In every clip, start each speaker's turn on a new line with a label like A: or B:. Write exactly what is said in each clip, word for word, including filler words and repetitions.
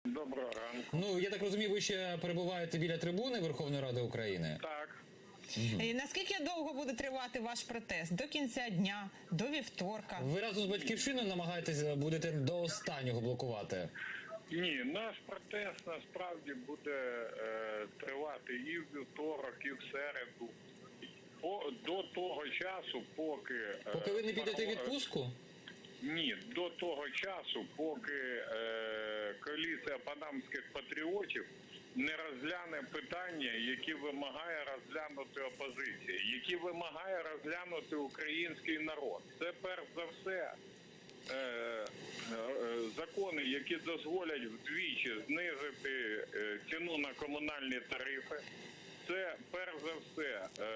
A: Доброго ранку.
B: Ну, я так розумію, ви ще перебуваєте біля трибуни Верховної Ради України?
A: Так.
C: І наскільки довго буде тривати ваш протест? До кінця дня, до вівторка?
B: Ви разом з Батьківщиною намагаєтесь, будете до останнього блокувати?
A: Ні, наш протест насправді буде е, тривати і в вівторок, і в середу. По, до того часу, поки... Е,
B: Поки ви не підете в
A: парла-
B: відпустку?
A: Ні, до того часу, поки е, коаліція панамських патріотів не розгляне питання, які вимагає розглянути опозиція, які вимагає розглянути український народ. Це перш за все е, е, закони, які дозволять вдвічі знизити е, ціну на комунальні тарифи. Це перш за все е,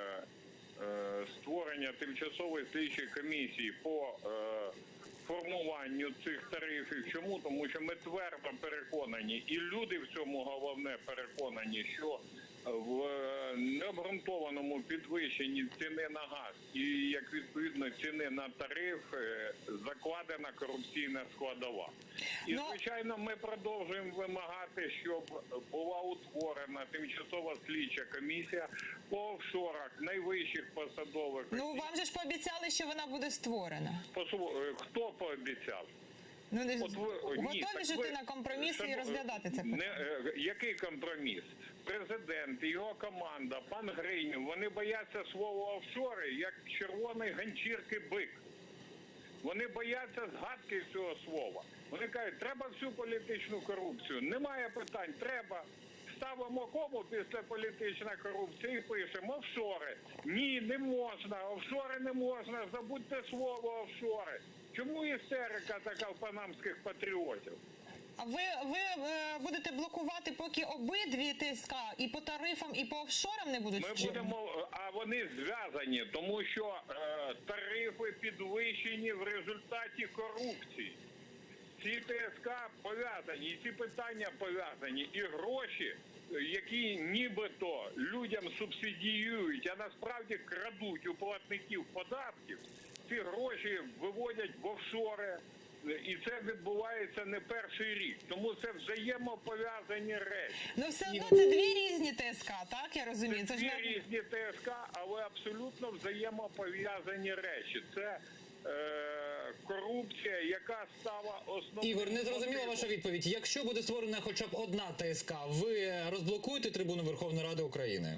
A: е, створення тимчасової слідчої комісії по е, формуванню цих тарифів. Чому? Тому що ми твердо переконані, і люди в цьому головне переконані, що в необґрунтованому підвищенні ціни на газ і, як відповідно, ціни на тариф закладена корупційна складова. І, звичайно, ми продовжуємо вимагати, щоб була утворена тимчасова слідча комісія по офшорах найвищих посадових.
C: Ну, вам же ж пообіцяли, що вона буде створена.
A: Хто пообіцяв?
C: Ну, не...
A: От ви,
C: готові
A: ні, так
C: жити
A: ви,
C: на компроміси і розглядати це питання?
A: Не, е, який компроміс? Президент, його команда, пан Гринів, вони бояться слова офшори, як червоної ганчірки бик. Вони бояться згадки цього слова. Вони кажуть, треба всю політичну корупцію. Немає питань, треба. Ставимо кому після політична корупція і пишемо офшори. Ні, не можна, офшори не можна, забудьте слово офшори. Чому істерика така в панамських патріотів?
C: А ви, ви е, будете блокувати, поки обидві ТСК і по тарифам, і по офшорам не будуть
A: Ми
C: вчинені?
A: будемо, а вони зв'язані, тому що е, тарифи підвищені в результаті корупції. Ці ТСК пов'язані, і ці питання пов'язані, і гроші, які нібито людям субсидіюють, а насправді крадуть у платників податків, ці гроші виводять в офшори. І це відбувається не перший рік. Тому це взаємопов'язані речі.
C: Ну все одно це дві різні ТСК, так? Я розумію.
A: Це
C: Це
A: дві
C: ж не...
A: різні ТСК, але абсолютно взаємопов'язані речі. Це е, корупція, яка стала основною...
B: Ігор, не зрозуміла ваша відповідь. Якщо буде створена хоча б одна ТСК, ви розблокуєте трибуну Верховної Ради України?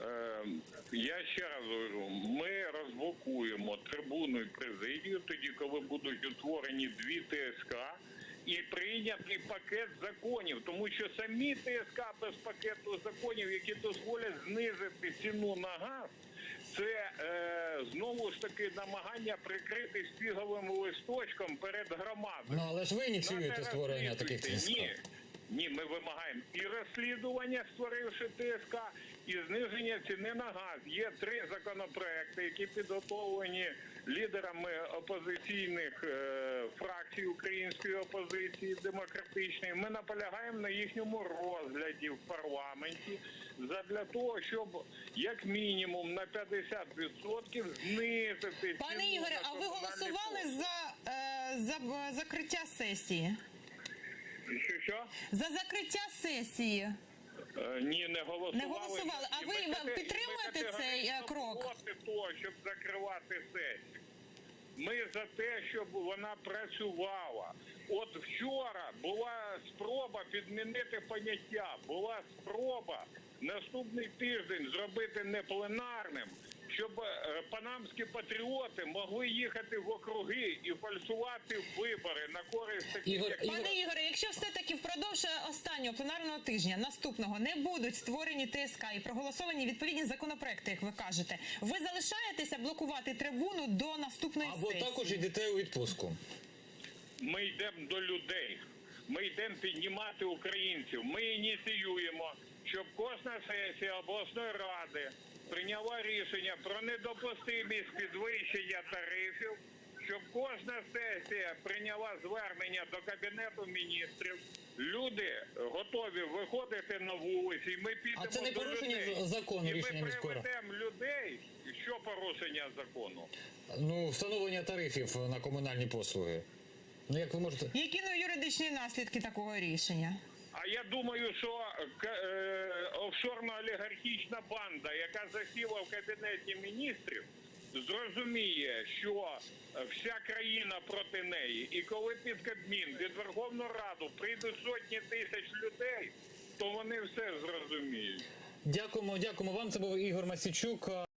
A: Я ще раз говорю, ми розблокуємо трибуну і президію тоді, коли будуть утворені дві ТСК і прийнятий пакет законів, тому що самі ТСК без пакету законів, які дозволять знизити ціну на газ, це е, знову ж таки намагання прикрити фіговим листочком перед громадою.
B: Ну, але ж ви ініціюєте створення таких ТСК.
A: Ні. Ні, ми вимагаємо і розслідування, створивши ТСК, і зниження ціни на газ. Є три законопроекти, які підготовлені лідерами опозиційних е, фракцій української опозиції демократичної. Ми наполягаємо на їхньому розгляді в парламенті задля того, щоб як мінімум на п'ятдесят відсотків знизити ціну.
C: Пане Ігоре, а ви голосували за, е, за закриття сесії?
A: Що, що?
C: За закриття сесії.
A: Е, Ні, не голосували.
C: Не голосували. А
A: І
C: ви
A: ми кате-
C: підтримуєте
A: ми
C: цей, е, крок?
A: проти того, щоб закривати сесію. Ми за те, щоб вона працювала. От вчора була спроба підмінити поняття, була спроба наступний тиждень зробити не пленарним, щоб е, панамські патріоти могли їхати в округи і фальсувати вибори на користь таких,
B: Ігор,
A: як...
B: Ігор...
C: Пане Ігоре, якщо все-таки впродовж останнього пленарного тижня, наступного, не будуть створені ТСК і проголосовані відповідні законопроекти, як ви кажете, ви залишаєтеся блокувати трибуну до наступної
B: Або
C: сесії?
B: також йдете у відпустку?
A: Ми йдемо до людей. Ми йдемо піднімати українців. Ми ініціюємо, щоб кожна сесія обласної ради прийняла рішення про недопустимість підвищення тарифів, щоб кожна сесія прийняла звернення до Кабінету міністрів. Люди готові виходити на вулиці, і ми підемо
B: А це не
A: до
B: порушення
A: людей.
B: закону,
A: І
B: рішення
A: ми
B: міської ради?
A: приведемо людей. Що порушення закону?
B: Ну, встановлення тарифів на комунальні послуги. Ну як ви можете?
C: Які ну, юридичні наслідки такого рішення?
A: А я думаю, що к- е, офшорно-олігархічна банда, яка засіла в Кабінеті міністрів, зрозуміє, що вся країна проти неї. І коли під Кабмін, під Верховну Раду прийдуть сотні тисяч людей, то вони все зрозуміють.
B: Дякуємо, дякуємо вам. Це був Ігор Мосійчук.